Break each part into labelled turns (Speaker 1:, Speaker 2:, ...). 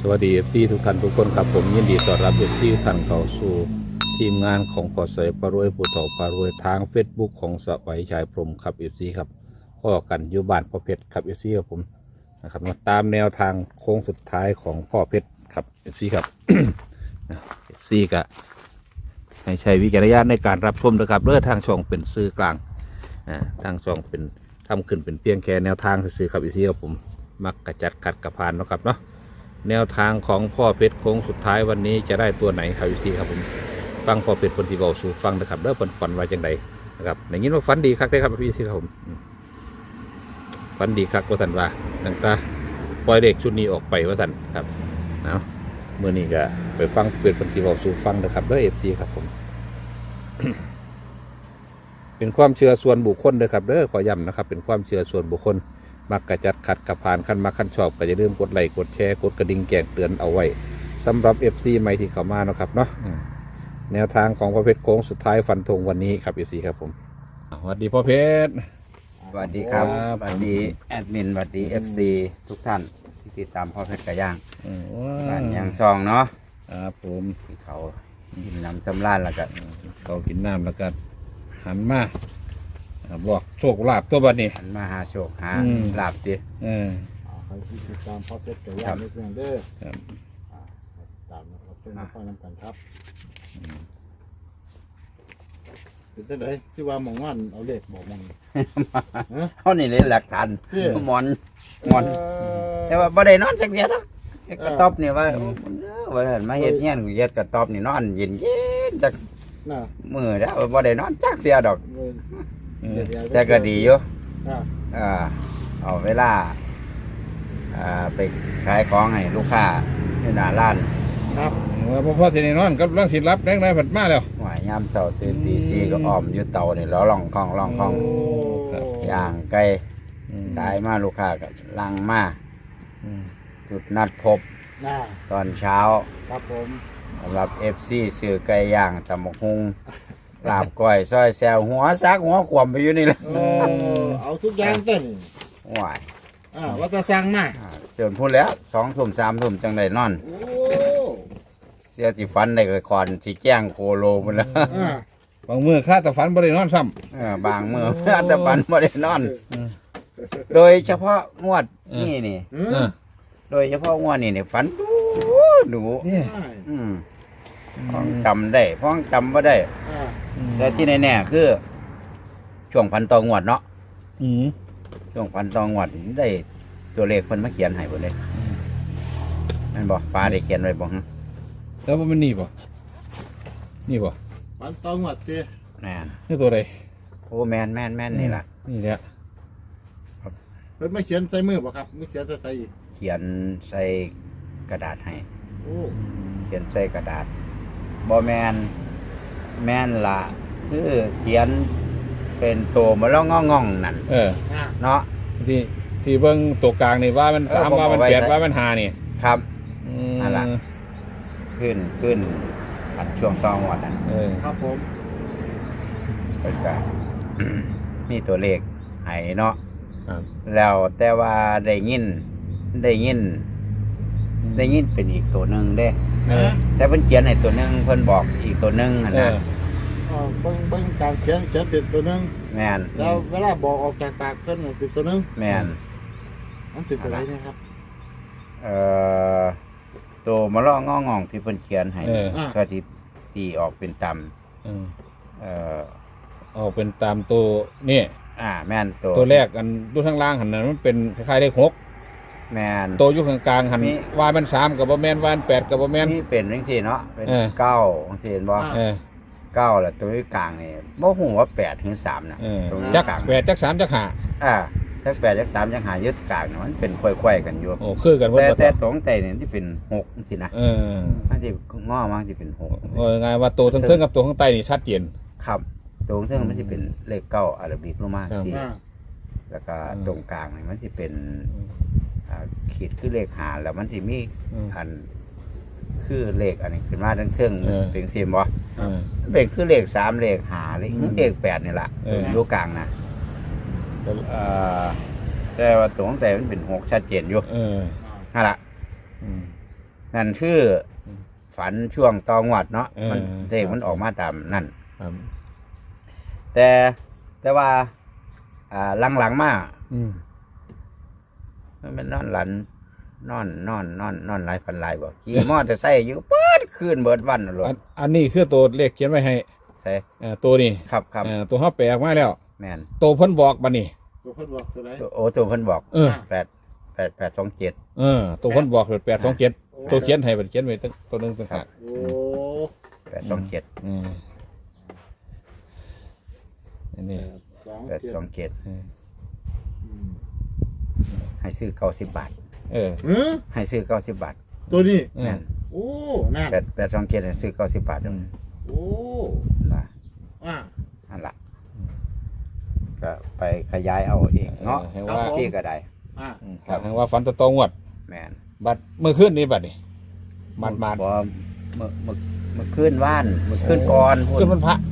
Speaker 1: สวัสดี FC ทุกท่านทุกคนครับผมยินดีต้อนรับ FC ทุกท่านเข้าสู่ทีมงานของปอเสยปารวยผู้ต่อปารวยทาง Facebook ของสวัยชัยพรหมครับ FC ครับก็กันอยู่บ้านพ่อเพชรครับ FC ครับผมนะครับมาตามแนวทางโค้งสุดท้ายของพ่อเพชรครับ FC ครับ FC ก็ให้ใช้วิจารณญาณในการรับชมนะครับเลือทางช่องเป็นสื่อกลางทางช่องเป็นทำขึ้นเป็นเพียงแค่แนวทางสื่อครับ FC ครับผมมักกระจัดขัดกระพานเนาะครับเนาะแนวทางของพ่อเพชรโค้งสุดท้ายวันนี้จะได้ตัวไหนครับพี่ซีครับผมฟังพ่อเพชรคนที่บอกสู่ฟังนะครับเริ่มฝันไว้จังใดนะครับอย่างนี้ว่าฝันดีครับได้ครับพี่ซีครับผมฝันดีครับว่าสันว่าตั้งแต่ปล่อยเด็กชุดนี้ออกไปว่าสันครับเนาะเมื่อนี้ก็ไปฟังเป็นคนที่บอกสู่ฟังนะครับแล้วFCครับผม เป็นความเชื่อส่วนบุคคลเลยครับเด้อขอย้ำนะครับเป็นความเชื่อส่วนบุคคลมักกระจัดขัดกระพานขั้นมาขั้นชอบก็จะลืมกดไลค์กดแชร์กดกระดิ่งแจ้งเตือนเอาไว้สำหรับ FC ใหม่ที่เข้ามานะครับเนาะแนวทางของพ่อเพชรโค้งสุดท้ายฟันธงวันนี้ครับ FC ครับผมสวัสดีพ่อเพชร
Speaker 2: สวัสดีครับ
Speaker 1: ครับ
Speaker 2: สวัสดีแอดมินสวัสดีFC ทุกท่านที่ติดตามพ่อเพชรกระย่างบ้านยางซองเนาะ
Speaker 1: ครับผม
Speaker 2: ที่เขากินน้ำสำราญแล้วก็
Speaker 1: เขากินน้ำแล้วก็หันมาบอกโชคลาภตัวบัดนี้
Speaker 2: หันมาหาโชคหา
Speaker 1: อืม
Speaker 2: ลาบดิ
Speaker 3: ใครที่ติดตามพ่อเพชรไก่ย่างนิดนึงเด้อ
Speaker 1: ครับ
Speaker 3: ตามนะครับเพื่อนน้องน้ำกันครับเป็นจังไดที่ว่าหมองว่านเอาเลขบอกมอง
Speaker 2: เขานี่เลยหลักฐาน
Speaker 3: เด้อ
Speaker 2: หมอนแต่ว่าบ่ได้นอนสักเดียวหรอกกระต๊อบนี่ว่าว่ามาเฮ็ดเงี้ยนกูเฮ็ดกระต๊อบนี่นอนเย็นจัก
Speaker 3: น่ะ
Speaker 2: มื้อแล้วบ่ได้นอนจักเดียวดอก
Speaker 3: เดี๋ยว
Speaker 2: แต่ก็ดีอยู่
Speaker 3: อ่า
Speaker 2: เอาเวลาไปขายของให้ลูกค้าที่หน้าร้าน
Speaker 3: ครับ
Speaker 1: พ่อเสนนอนกับร่างศิลรับแรงได้ผัดมาแล้ว
Speaker 2: หวายยามเช้าตื่นตีสี่ก็อ้อมอยู่เตานี่แล้วล่องคล่อง
Speaker 1: ครับ
Speaker 2: ย่างไก่ขายมาลูกค้าก็ลังมาจุดนัดพบ
Speaker 3: น่า
Speaker 2: ตอนเช้า
Speaker 3: ครับผม
Speaker 2: สำหรับ FC ซื้อไก่ย่างตำบักหุ่งลาบก้อยซอยแซวหัวซักหัวขวมไปอยู่นี่แหละ
Speaker 3: เอาทุกอย่างเต้น
Speaker 2: หวาย
Speaker 3: วัตสั่งมา
Speaker 2: จนพูดแล้ว2 ทุ่ม3 ทุ่มจังได้นอน
Speaker 3: โอ้
Speaker 2: เสียสิฟันได้ก็คอนสิแจ้งโคโลมันแล้ว
Speaker 1: บางมือข้าแต่ฝันบ่ได้นอนซ้
Speaker 2: บางมือ อาจจะปันไม่ได้นอน โดยเฉพาะงวดนี่
Speaker 1: ำ
Speaker 2: โดยเฉพาะงวดนี่ฝันดู
Speaker 1: นี่
Speaker 2: พ้องจำได้พ้องจำไม่ได้ แต่ที่แน่ๆคือ ช่วงพันตองวดเนาะ
Speaker 1: อืม
Speaker 2: ช่วงพันตองวดนี่ได้ตัวเลขเพิ่นมาเขียนให้หมดเลยนั่นบอกป้าได้เขียนไว้บอก
Speaker 1: แล้วมันนี่ป่ะนี่ป่ะ
Speaker 3: ปันตองหวัดเจ้
Speaker 2: แม่น
Speaker 1: นี่ตัวใด
Speaker 2: โอ้แม่นนี่ล่ะ
Speaker 1: นี่แหละ
Speaker 3: เพิ่นไม่เขียนใส่มือป่ะครับไม่เขียนใส่อีก
Speaker 2: เขียนใส่กระดาษให้
Speaker 3: โอ้
Speaker 2: เขียนใส่กระดาษบอแมนละคือเขียนเป็นตัวมาแล้วง่องนั่น
Speaker 3: น่า
Speaker 2: เนาะ
Speaker 1: ที่เบิ้งตัวกลางนี่ว่ามันสาม
Speaker 2: ผม
Speaker 1: ว่ามัน
Speaker 2: เอาไว้
Speaker 1: แปด
Speaker 2: ใส่
Speaker 1: ว่ามันหานี่
Speaker 2: ครับ
Speaker 1: อืม
Speaker 2: นั่นล่ะ ขึ้นอันช่วงตอนวันนั้น
Speaker 3: ครับผม
Speaker 2: เป็นการ มีตัวเลขให้เนาะ
Speaker 1: ครับ
Speaker 2: แล้วแต่ว่าได้ยินเป็นอีกตัวหนึ่งเด้ แต่เพิ่นเขียนให้ตัวหนึ่งเพิ่นบอกอีกตัวหนึ่งหั่นนะ
Speaker 3: เบิ่งการเขียนติดตัวนึง
Speaker 2: แม่น
Speaker 3: แล้วเวลาบอกออกจากปากเพิ่นติดตัวนึง
Speaker 2: แม่น
Speaker 3: มันติดอะไรเนี่ยครับ
Speaker 2: ตัวมะละงององที่เพิ่นเขียนให้ ก็ที่ตีออกเป็นตำ
Speaker 1: เอาเป็นตามตัวนี่
Speaker 2: แม่นตัว
Speaker 1: ตัวแรกอันดูทางล่างหันนั้นมันเป็นคล้ายๆเลขหก
Speaker 2: แม่น
Speaker 1: ตัวอยู่ข้างกลางหัน
Speaker 2: มี
Speaker 1: ว่ามันสามกับบ่แม่นว่ามันแปดกับบ่แม่น
Speaker 2: นี่เป็นจังซี่เนาะเป็น
Speaker 1: เออ
Speaker 2: เก้าจังซี่เห็นบ่
Speaker 1: เออ
Speaker 2: เก้าแล้วตัวที่กลางนี่บ่ฮู้ว่า8ถึง3นะ
Speaker 1: เออ
Speaker 2: ตรง
Speaker 1: จัก
Speaker 2: กลาง
Speaker 1: แปดจักสามจักห้า
Speaker 2: จัก8จัก3จัก5ยึดกลางน่ะมันเป็นค่อยๆกันอยู่
Speaker 1: โอ้คือกันหมด
Speaker 2: แต่
Speaker 1: บ่
Speaker 2: ตรงแต่นี่ที่เป็น6จังซี่นะ
Speaker 1: เออ
Speaker 2: มันสิงอมาสิเป็น6
Speaker 1: โอ้ยไงว่าตัวทั้งเทิงกับตัวข้างใต้นี่ชัดเจน
Speaker 2: ครับตรงเทิงมันสิเป็นเลขเก้าอาราบิกลงมา
Speaker 1: ครับ
Speaker 2: สิแล้วก็ตรงกลางนี่มันสิเป็นขีดคือเลขหาแล้วมันสิมี อันคือเลขอันนี้ขึ้นมาทั้งเครื่องเป็นเสียมบ่
Speaker 1: เออ
Speaker 2: เป็นคือเลข3เลข5เลข8นี่ล่ะ
Speaker 1: เออ
Speaker 2: อยู่กลางนะแต่ว่าตรงแต่มันเป็น6ชัดเจนอยู่
Speaker 1: เออ
Speaker 2: นั่นล่ะ
Speaker 1: อืม
Speaker 2: นั่นคือฝันช่วงตองวัดเนาะมันเลขมันออกมาตามนั่น
Speaker 1: ครับ
Speaker 2: แต่ว่าหลังๆมา
Speaker 1: อืม
Speaker 2: มันเป็นนอนหลันนอนหลายฝันหลายบ่ขี่มอเตอร์ไซค์อยู่เปิดคืนเบิดวันน่ะโลด
Speaker 1: อันนี้คือตัวเลขเขียนไว้ให้
Speaker 2: ใช่
Speaker 1: ตัวนี้
Speaker 2: ครับ
Speaker 1: ตัวเฮาแปลออกมาแล้ว
Speaker 2: แม่น
Speaker 1: ตัวเพิ่นบอกบัดนี้
Speaker 3: ตัวเพิ่นบอกตัวไหน
Speaker 2: ตัวเพิ่นบอก
Speaker 1: เออ
Speaker 2: 827
Speaker 1: ตัวเพิ่นบอก827ตัวเขียนให้บัดเขียนไว้ตัวนึงต่างหาก
Speaker 3: โอ้
Speaker 2: 827
Speaker 1: อันนี้
Speaker 3: 2 7
Speaker 2: 827ให้ซื้อ90 บาท ให้ซื้อ90 บาท
Speaker 3: ตัวนี้
Speaker 2: แม่น
Speaker 3: โอ้นั่น
Speaker 2: 827ให้ซื้อ90 บาทนึง
Speaker 3: โอ้
Speaker 2: ล่ะ
Speaker 3: อ่า
Speaker 2: นั่นล่ะก็ไปขยายเอาเองเนาะ
Speaker 1: ให้ว่า
Speaker 2: ซี่ก็ได้
Speaker 3: อ่า
Speaker 1: ครับให้ว่าฝันตองวด
Speaker 2: แม่น
Speaker 1: บัดเมื่อคืนนี้บัดนี้มาด
Speaker 2: บ่เมื่อคืนว่านเมื่อคืนก่อน
Speaker 1: ขึ้นวันพระ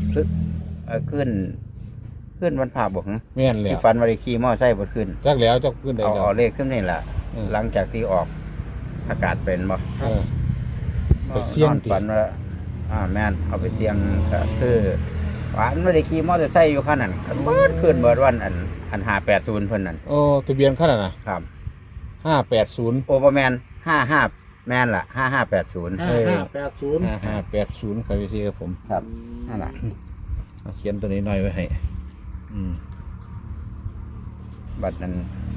Speaker 2: ขึ้นวันพระบ่ฮะ
Speaker 1: แม่นแล้
Speaker 2: ที่
Speaker 1: ว
Speaker 2: ฝันว่าได้ขี่มอไซค์บ่ขึ้น
Speaker 1: จักแล้วจักขึ้นได้
Speaker 2: เอา
Speaker 1: แล้ว
Speaker 2: เอาเลขขึ้นนี่ล่ะ หลังจากที่ออกอากาศเป็นบ่
Speaker 1: เออ ไปเสี่ยง
Speaker 2: นอน
Speaker 1: ติ
Speaker 2: ฝันว่าแม่นเอาไปเสี่ยงก็คือฝันว่าได้ขี่มอเตอร์ไซค์อยู่คันนั้นเบิดขึ้นเบิดวันอัน580เพิ่นนั่น
Speaker 1: โอ้ทะเบียนขนาดน่ะ
Speaker 2: ครับ
Speaker 1: 580
Speaker 2: โอบ่แม่น55แม่นล่ะ5580
Speaker 3: 5580
Speaker 1: 5580ครับพี่ครับผม
Speaker 2: ครับนั่นล่ะ
Speaker 1: เอาเขียนตัวนี้หน่อยไว้ให้
Speaker 2: บัดนั้น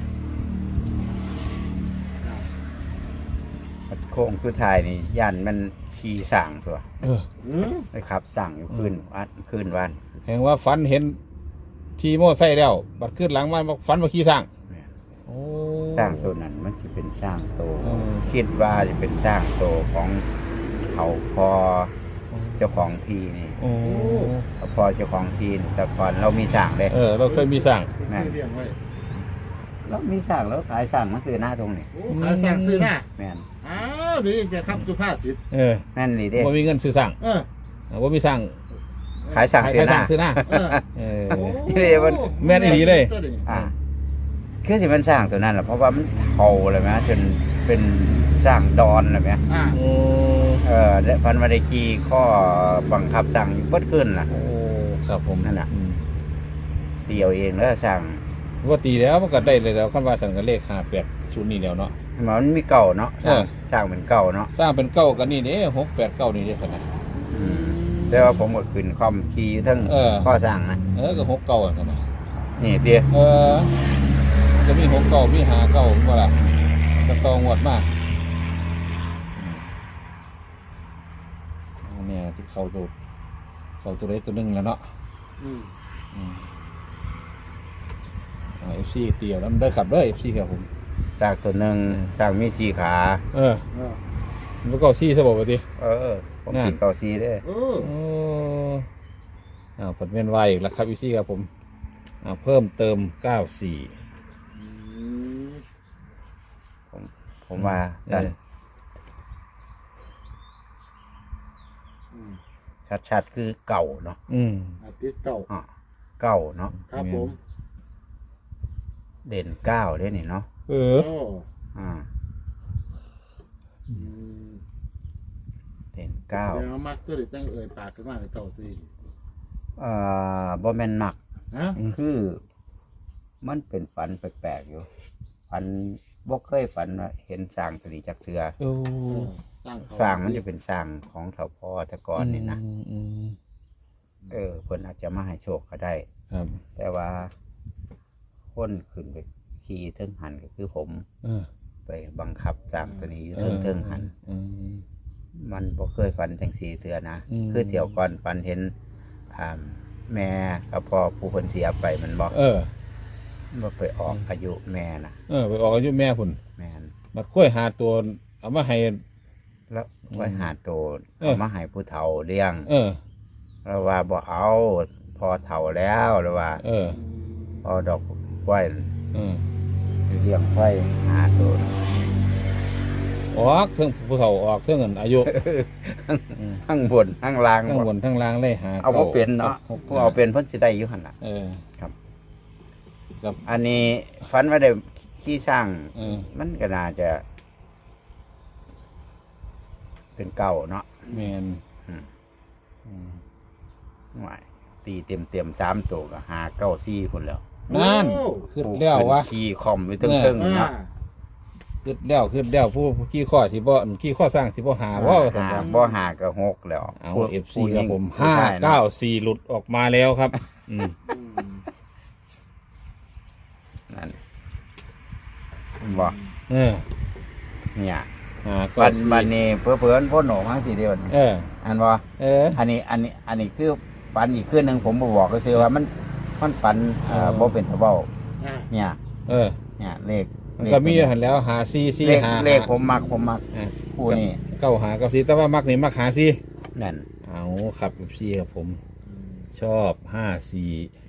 Speaker 2: บัดโค้งคือทายนี่ย่านมันขี่สร้างตัว ไปขับสั่งอยู่คืนวัน
Speaker 1: แห่งว่าฝันเห็นทีโม่ไซค์แล้วบัดขึ้นหลังมาบอกฝันว่าขี่สร้างโอ้
Speaker 2: สร้างตัวนั้นมันจะเป็นสร้างโตว
Speaker 1: อืม
Speaker 2: คิดว่าจะเป็นสร้างโตวของเขาพอเจ้าของทีนี่
Speaker 1: โอ้
Speaker 2: เขาพอเจ้าของทีนี่แต่ก่อนเรามีสร้างเลย
Speaker 1: เราเคยมีสร้าง
Speaker 3: เป็นที่เลี้ยงไว้
Speaker 2: เรามีสร้างแล้วขายสร้างมาซื้อหน้าตรงนี้
Speaker 3: โอ้ขายสั่งซื้อหน้า
Speaker 2: แม่น
Speaker 3: อ้าวนี่จะครับสุภาษิต
Speaker 2: แม่นนี่เด้
Speaker 1: ว่ามีเงินซื้อสร้าง
Speaker 3: เออ
Speaker 1: ว่ามีสร้าง
Speaker 2: ขายสร้างซื้อหน้า
Speaker 1: ซื้อหน้า
Speaker 3: เออ
Speaker 1: เออ
Speaker 3: โอ้
Speaker 2: นี่เลยมัน
Speaker 1: แม่นอีหลีเลย
Speaker 2: อ่าคือสิมันสร้างตัวนั้นแหละเพราะว่ามันเท่าเลยไหมจนเป็นสร้างดอนเลยไหม
Speaker 3: อ่า
Speaker 1: โอ้
Speaker 2: และพันมาได้ขี่ข้อบังคับสั่งอยู่เบิดขึ้นล่ะ
Speaker 1: โอ้ครับผม
Speaker 2: นั่นน่ะ เดียวเองแล้วสั่ง
Speaker 1: ว่าตีแล้วมันก็ได้เลยแล้วคันว่าสั่งกันเลข580นี่แล้วเนาะ
Speaker 2: มันมีเก่าเนาะ
Speaker 1: เออ
Speaker 2: สร้างเป็นเก่าเนาะ
Speaker 1: สร้างเป็นเก้ากันนี่เด้689นี่เด้ขนาด
Speaker 2: แต่ว่าผมก็ขึ้นคอมขี่อยู่ทั้ง
Speaker 1: เออ
Speaker 2: ข้อสร้างนะ
Speaker 1: ก็69กันนะ
Speaker 2: นี่เดียว
Speaker 1: จะมี69มี59บ่ล่ะจะตองวดมากเนี่ยที่เข้าตัวใดตัวหนึงแล้วเนาะ FC เตียวแล้วมันได้ขับเด้อ FC ครับผม
Speaker 2: สร้างตัวหนึ่งสร้างมี4ขา
Speaker 1: เออมันก็ซี่ซะบ่ว่าติ
Speaker 2: ผม
Speaker 1: นั่น
Speaker 2: กินเก่าซีเด้อ
Speaker 3: เออ
Speaker 1: โอ้ผลเวียนวายอีกแล้วครับ FC ครับผมเพิ่มเติม94
Speaker 2: ผมว่า
Speaker 1: เออ
Speaker 2: ชัดๆคือเก่าเนาะ
Speaker 3: อาทิตย์เก่า
Speaker 2: เก่าเนาะ
Speaker 3: ครับผม
Speaker 2: เด่นเก้าเด้นี่เนาะ
Speaker 3: โอ้
Speaker 2: อ่าเด่นเก้า
Speaker 3: แล้วมักตัวเด็กตั้งเอ่ยปากขึ้นมาในเจ้าสิ
Speaker 2: บ่แม่นหมัก
Speaker 3: ฮะ
Speaker 2: คือมันเป็นฝันแปลกๆอยู่ฝันบ่เคยฝันว่าเห็นสร้างตรีจักเทือ
Speaker 1: โอ้
Speaker 2: สร้างมันจะเป็นสร้างของเถาพ่อแต่ก่อนนี่นะ
Speaker 1: อืม
Speaker 2: เพิ่นอาจจะมาให้โชคก็ได้
Speaker 1: ครับ
Speaker 2: แต่ว่าคนขึ้นไปขี่เทิงหันก็คือผม ไปบังคับสร้างตัวนี้อยู่เทิงหัน มันบ่เคยฝันจังสีเทือนะ คือเที่ยวก่อนฝันเห็นแม่กับพ่อผู้เพิ่นเสียไปมันบ่ไปออกอายุแม่นะ
Speaker 1: ไปออกอายุแม่พุ่น
Speaker 2: แม่น
Speaker 1: มาค่อยหาตัวเอามาให้
Speaker 2: แล้วก็หาโตเอามาให้ผู้เฒ่าเลี้ยง แล้วว่าบ่เอาพอเฒ่าแล้วแล้วว่าพอดอกกล้วยเลี้ยงไว้หาโต
Speaker 1: ออกเครื่องผู้เฒ่าออกเครื่องเงินอายุ
Speaker 2: ทั้งบนทั้งล่าง
Speaker 1: ทั้งบนทั้งล่างเลยหา
Speaker 2: เอาบ่เป็นเนาะผู้เอาเป็นเพิ่นสิได้อยู่หั่นล่ะ
Speaker 1: ครับ
Speaker 2: อันนี้ฝันว่าได้ขี้สร้าง
Speaker 1: เออ
Speaker 2: มันก็น่าจะเป็นเก้าเนาะ
Speaker 1: แม่น
Speaker 2: หวายตีเต็ม3ตัวก็หาเก้าซี่คนแล้ว
Speaker 1: นั่นขึ้นแล้ววะ
Speaker 2: ขี่คอมไปเทิงๆ
Speaker 3: อ่า
Speaker 2: เนาะ
Speaker 1: ขึ้นแล้วผู้ขี้ข้อสิบ่ขี้ข้อสร้างสิบ่หาว่าสำหรับ
Speaker 2: บ่หาก็6แล้ว
Speaker 1: เอา
Speaker 2: ผู้
Speaker 1: FC
Speaker 2: ผู้ห
Speaker 1: ค
Speaker 2: ญิ
Speaker 1: รับ
Speaker 2: ง
Speaker 1: ผม
Speaker 2: ผู้ชายเนาะ
Speaker 1: 594หลุดออกมาแล้วครับอืม
Speaker 2: นั่นบ่
Speaker 1: เออ
Speaker 2: เนี่ย
Speaker 1: ก็
Speaker 2: วันนี้เพื่อนพ่นหนมั้งทีเดียว
Speaker 1: เออ
Speaker 2: อันบ่
Speaker 1: เออ
Speaker 2: อันนี้คือฝันอีกคืนหนึงผมบ่บอกก็คือว่ามันฝันบ่เป็นทะเบ้า
Speaker 3: อ่า
Speaker 2: เนี่ย
Speaker 1: เออ
Speaker 2: เนี่ยเลข
Speaker 1: มันก็มีอยู่หันแล้วหาซีซี
Speaker 2: เลข
Speaker 1: หา
Speaker 2: เลขผมมัก
Speaker 1: เออ
Speaker 2: คู่นี้
Speaker 1: เก้าหากับซีแต่ว่ามักนี่มักหาซี
Speaker 2: นั่น
Speaker 1: เอาครับซีครับผม ชอบ54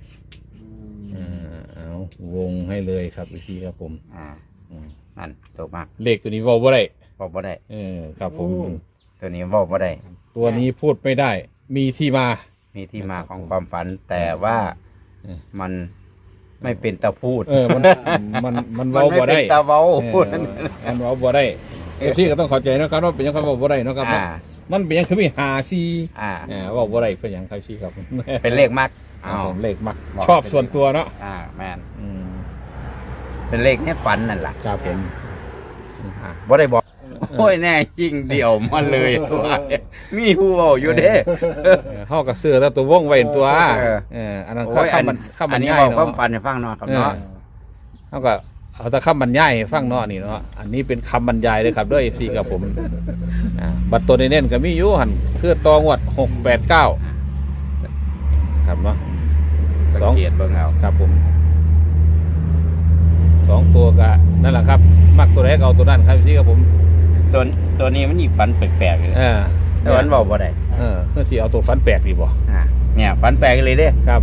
Speaker 1: เอาวงให้เลยครับซีครับผม
Speaker 2: นั่นถูกมาก
Speaker 1: เลขตัวนี้เว้าบ่ได้
Speaker 2: บอกบ่ได้
Speaker 1: เออครับผม
Speaker 2: ตัวนี้บอกบ่ได้
Speaker 1: ตัวนี้พูดไม่ได้ มีที่มา
Speaker 2: มีที่มาของความฝัน แต่ว่า
Speaker 1: เออ
Speaker 2: มันไม่เป็นตะพูด
Speaker 1: เออมัน มัน
Speaker 2: มัน
Speaker 1: เว้า
Speaker 2: ไม่
Speaker 1: บ่
Speaker 2: เป็
Speaker 1: ได้
Speaker 2: นตะเว้า
Speaker 1: เออมันเว้าบ่ได้ซีก็ต้องเข้าใจนะครับว่าเป็นหยังเขาเว้าบ่ได้เนาะครับ
Speaker 2: อ่า
Speaker 1: มันเป็นหยังคือมีหาซี
Speaker 2: อ่า
Speaker 1: เว้าบ่ได้เป็นหยังครับซีครับ
Speaker 2: เป็นเลขมัก
Speaker 1: ผมเลขมัก
Speaker 2: บอก
Speaker 1: ชอบส่วนตัวเนาะ
Speaker 2: แมน
Speaker 1: อืม
Speaker 2: เป็นเลขในฝันนั่นแหละ
Speaker 1: ครับผม
Speaker 2: บ่ได้บอกโอ้ยแน่จริงเดียวมาเลยว่ามีผู้เว้าอยู่เด้
Speaker 1: เฮากับเสื้อแล้วตัววงไว้ตัว
Speaker 2: เออ
Speaker 1: อันนั้น
Speaker 2: โอ้ย
Speaker 1: คำมันคำบร
Speaker 2: อัน
Speaker 1: ร
Speaker 2: นี้
Speaker 1: ยาย
Speaker 2: บอกความ
Speaker 1: เนาะ
Speaker 2: ฝันให้ฟังเนาะครับเนาะ
Speaker 1: เฮาก็เอาแต่คำบรรยายให้ฟังเนาะนี่เนาะอันนี้เป็นคำบรรยายเลยครับด้วย FC กับผมบัตรตัวเน้นๆก็มีอยู่หั่นคือตองวด689ครับเนาะ
Speaker 2: สังเกตเบิ่งเอา
Speaker 1: ครับผม2ตัวก็นั่นแหละครับ มักตัวไหนก็เอาตัวนั้นครับ FC กับผม
Speaker 2: ตัวนี้มันอีกฝันแปลกๆเลย แต่มันบอกบ่ได้
Speaker 1: เพื่อสิเอาตัวฟันแปลกดีบ่
Speaker 2: เนี่ยฝันแปลกเลยเด้
Speaker 1: ครับ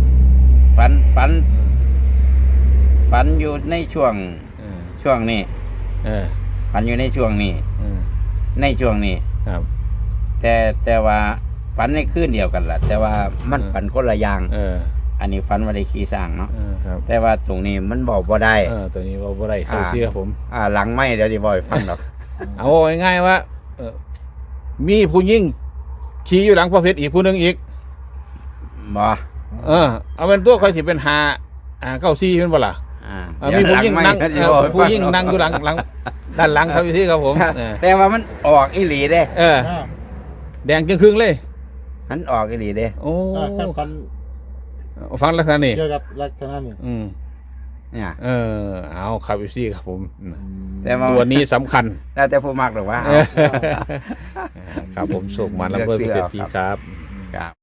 Speaker 2: ฝันอยู่ในช่วงนี้
Speaker 1: เออ
Speaker 2: ฝันอยู่ในช่วงนี้ ในช่วงนี้
Speaker 1: ครับ
Speaker 2: แต่ว่าฝันในคืนเดียวกันล่ะ แต่ว่ามันฝันคนละอย่าง อันนี้ฝันว่าได้ขี่สร้างเนาะ
Speaker 1: ครับ
Speaker 2: แต่ว่าตรงนี้มันบอกบ่ได้
Speaker 1: ตัวนี้ว่าบ่ได้เข้าเชื่อผม
Speaker 2: หลังไม่เดี๋ยวจะบอกให้ฟังดอก
Speaker 1: เอาง่ายๆว่ามีผู้หญิงขี่อยู่หลังพระเพชรอีกผู้หนึงอีก
Speaker 2: บ่
Speaker 1: เอาเป็นตัวใครที่เป็นเก้าซี่เป็นบ่ล่ะมีผู้หญิงนั่งผู้หญิงนั่งอยู่หลังด้านหลังครับพี่ครับผม
Speaker 2: แต่ว่ามันออกอีหลีเด้
Speaker 1: แดงจึงครึ่งเลย
Speaker 2: มันออกอีหลีเด้
Speaker 1: โอ้
Speaker 3: ขั้นฟัน
Speaker 1: ฟังลักษณะนี้
Speaker 3: เกี่ยวกับลักษณะนี้
Speaker 2: เนี่ย
Speaker 1: เอาครับพี่ครับผม
Speaker 2: แต่ว่า
Speaker 1: ตัวนี้สำคัญ
Speaker 2: แล้วแต่ผู้มักหรอกว่า
Speaker 1: ครับผมสุกมันแล้วเพื่อนพี่ครับ
Speaker 2: ครับ